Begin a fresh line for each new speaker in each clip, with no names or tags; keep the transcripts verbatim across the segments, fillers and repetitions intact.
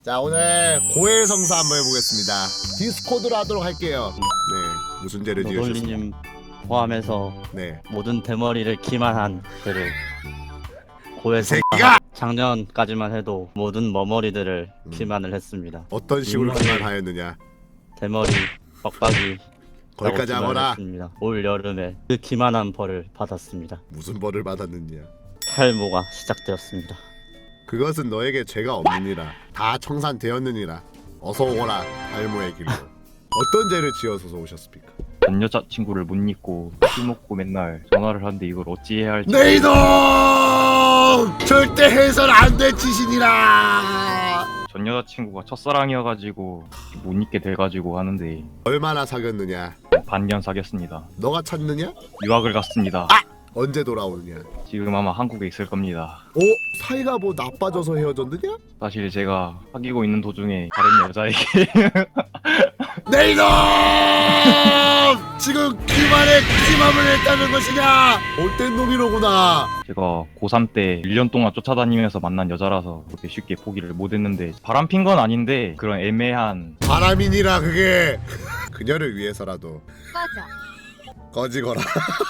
자, 오늘 고해성사 한번 해보겠습니다. 디스코드로 하도록 할게요. 네, 무슨 죄를 지으셨어요?
노돌리님 포함해서
네,
모든 대머리를 기만한 그를 고해성사.
새끼가!
작년까지만 해도 모든 머머리들을
음.
기만을 했습니다.
어떤 식으로
음.
기만하였느냐?
대머리 빡빡이
거기까지 하거라.
올 여름에 그 기만한 벌을 받았습니다.
무슨 벌을 받았느냐?
탈모가 시작되었습니다.
그것은 너에게 죄가 없느니라. 다 청산되었느니라. 어서 오거라, 탈모의 길로. 어떤 죄를 지어서 오셨습니까?
전 여자친구를 못 잊고 술 먹고 맨날 전화를 하는데 이걸 어찌해야 할지.
내 이놈! 절대 해선 안 될 짓이니라.
전 여자친구가 첫사랑이어가지고 못 잊게 돼가지고 하는데
얼마나 사귀었느냐?
반년 사귀었습니다.
너가 찾느냐?
유학을 갔습니다.
아! 언제 돌아오느냐?
지금 아마 한국에 있을 겁니다.
어? 사이가 뭐 나빠져서 헤어졌느냐?
사실 제가 사귀고 있는 도중에 다른 여자에게
내 이놈! 지금 기만에 기맘을 했다는 것이냐? 못된 놈이로구나.
제가 고삼 때 일 년 동안 쫓아다니면서 만난 여자라서 그렇게 쉽게 포기를 못했는데 바람 핀 건 아닌데 그런 애매한
바람이니라 그게. 그녀를 위해서라도
꺼져.
꺼지거라.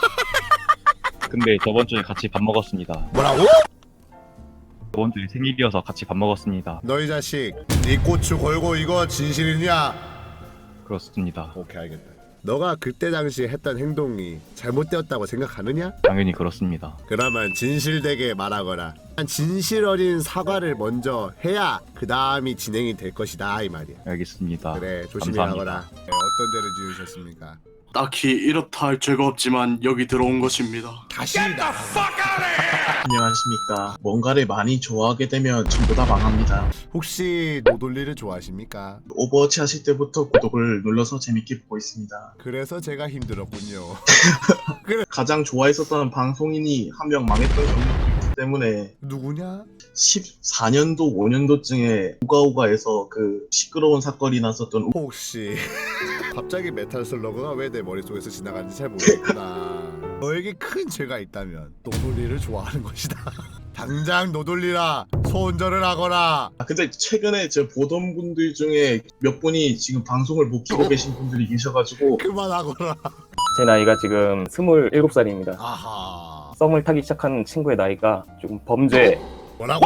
근데 저번 주에 같이 밥 먹었습니다.
뭐라고?
저번 주에 생일이어서 같이 밥 먹었습니다.
너희 자식, 네 고추 걸고 이거 진실이냐?
그렇습니다.
오케이, 알겠다. 너가 그때 당시 했던 행동이 잘못되었다고 생각하느냐?
당연히 그렇습니다.
그러면 진실되게 말하거라. 진실 어린 사과를 먼저 해야 그 다음이 진행이 될 것이다 이 말이야.
알겠습니다.
그래, 조심히
감사합니다.
하거라. 네, 어떤 죄를 지으셨습니까?
딱히 이렇다 할 죄가 없지만 여기 들어온 것입니다.
다시 나.
안녕하십니까. 뭔가를 많이 좋아하게 되면 전부 다 망합니다.
혹시 노돌리를 좋아하십니까?
오버워치 하실 때부터 구독을 눌러서 재밌게 보고 있습니다.
그래서 제가 힘들었군요.
가장 좋아했었던 방송인이 한 명 망했던 경력이 있기 때문에
누구냐?
십사 년도 오 년도쯤에 우가우가에서 그 시끄러운 사건이 났었던 우-
혹시 갑자기 메탈 슬러그가 왜 내 머릿속에서 지나가는지 잘 모르겠구나. 너에게 큰 죄가 있다면 노돌리를 좋아하는 것이다. 당장 노돌리라 소운전을 하거라.
아, 근데 최근에 저 보던 분들 중에 몇 분이 지금 방송을 못 키고 계신 분들이 계셔가지고
그만하거라.
제 나이가 지금 스물일곱 살입니다.
아하.
썸을 타기 시작한 친구의 나이가 조금 범죄.
뭐라고?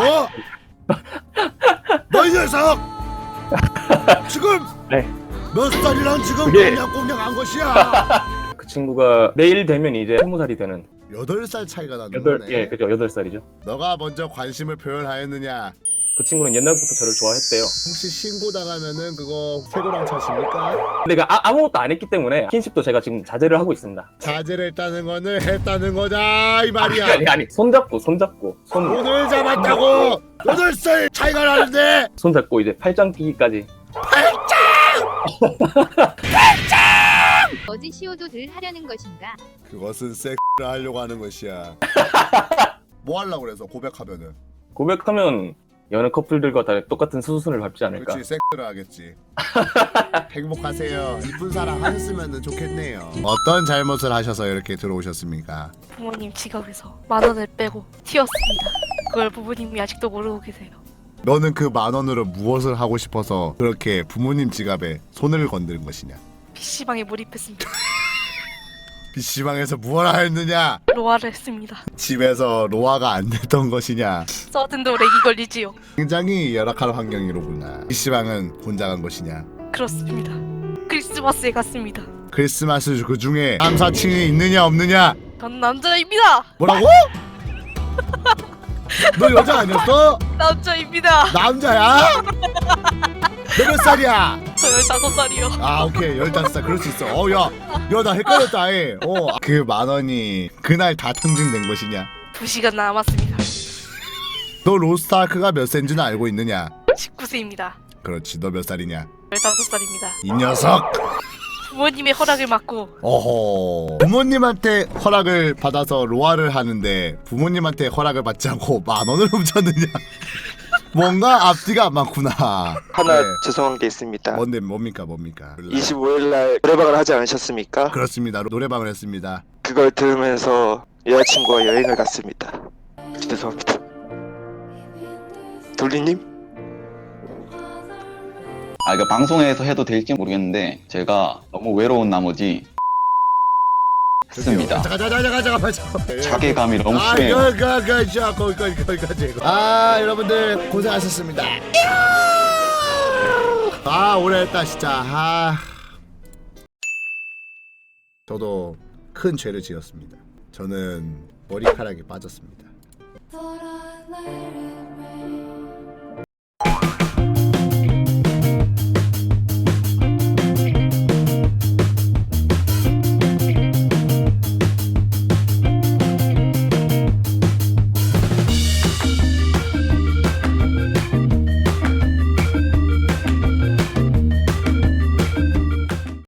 너 이 녀석! 지금
네.
몇 살이랑 지금
그게-
꽁냥꽁냥 한 것이야?
그 친구가 내일 되면 이제 스무 살이 되는.
여덟 살 차이가 나는
여덟
거네.
예, 그죠. 여덟 살이죠.
너가 먼저 관심을 표현하였느냐?
그 친구는 옛날부터 저를 좋아했대요.
혹시 신고당하면은 그거 세고랑 차십니까?
근데 그 아, 아무것도 안 했기 때문에 킨십도 제가 지금 자제를 하고 있습니다.
자제를 했다는 거는 했다는 거다 이 말이야.
아니 아니 손잡고 손잡고 손
오늘 잡았다고 여덟 살 차이가 나는데
손잡고 이제 팔짱 끼기까지.
어디 시오도들 하려는 것인가?
그것은 섹스를 하려고 하는 것이야. 뭐 하려고 그래서 고백하면은
고백하면 여느 커플들과 다 똑같은 수순을 밟지 않을까.
그렇지 섹스를 하겠지. 행복하세요. 이쁜 사랑 하셨으면 좋겠네요. 어떤 잘못을 하셔서 이렇게 들어오셨습니까?
부모님 지갑에서 만 원을 빼고 튀었습니다. 그걸 부모님이 아직도 모르고 계세요.
너는 그 만 원으로 무엇을 하고 싶어서 그렇게 부모님 지갑에 손을 건드린 것이냐?
피시방에 몰입했습니다.
피시방에서 무엇을 했느냐?
로아를 했습니다.
집에서 로아가 안 됐던 것이냐?
서든도 렉이 걸리지요.
굉장히 열악한 환경이로구나. 피시방은 혼자 간 것이냐?
그렇습니다. 크리스마스에 갔습니다.
크리스마스 그 중에 남사친이 있느냐 없느냐?
전 남자입니다.
뭐라고? 너 여자 아니었어?
남자입니다.
남자야? 너 몇 살이야?
저 열다섯 살이요.
아 오케이 열다섯 살 그럴 수 있어. 어야야 나 헷갈렸다 아예. 어그 만 원이 그날 다 탕진된 것이냐?
두 시간 남았습니다.
너 로스트아크가 몇 세인지는 알고 있느냐?
십구 세입니다.
그렇지 너 몇 살이냐?
열다섯 살입니다.
이 녀석.
부모님의 허락을 받고
어허 부모님한테 허락을 받아서 로아를 하는데 부모님한테 허락을 받지 않고 만 원을 훔쳤느냐? 뭔가 앞뒤가 안 맞구나.
하나
네.
죄송한 게 있습니다.
뭔데 뭡니까 뭡니까?
이십오 일 날 노래방을 하지 않으셨습니까?
그렇습니다. 노래방을 했습니다.
그걸 들으면서 여자친구와 여행을 갔습니다. 죄송합니다. 돌리님?
아 이거 방송에서 해도 될지 모르겠는데 제가 너무 외로운 나머지 했습니다.
잠깐 잠깐 잠깐 잠깐 잠깐.
자괴감이 너무
아,
심해요.
그, 그, 그, 자, 거기까지, 거기까지. 아, 여러분들 고생하셨습니다. 아, 오래했다 진짜. 아, 저도 큰 죄를 지었습니다. 저는 머리카락이 빠졌습니다.
Thought I let it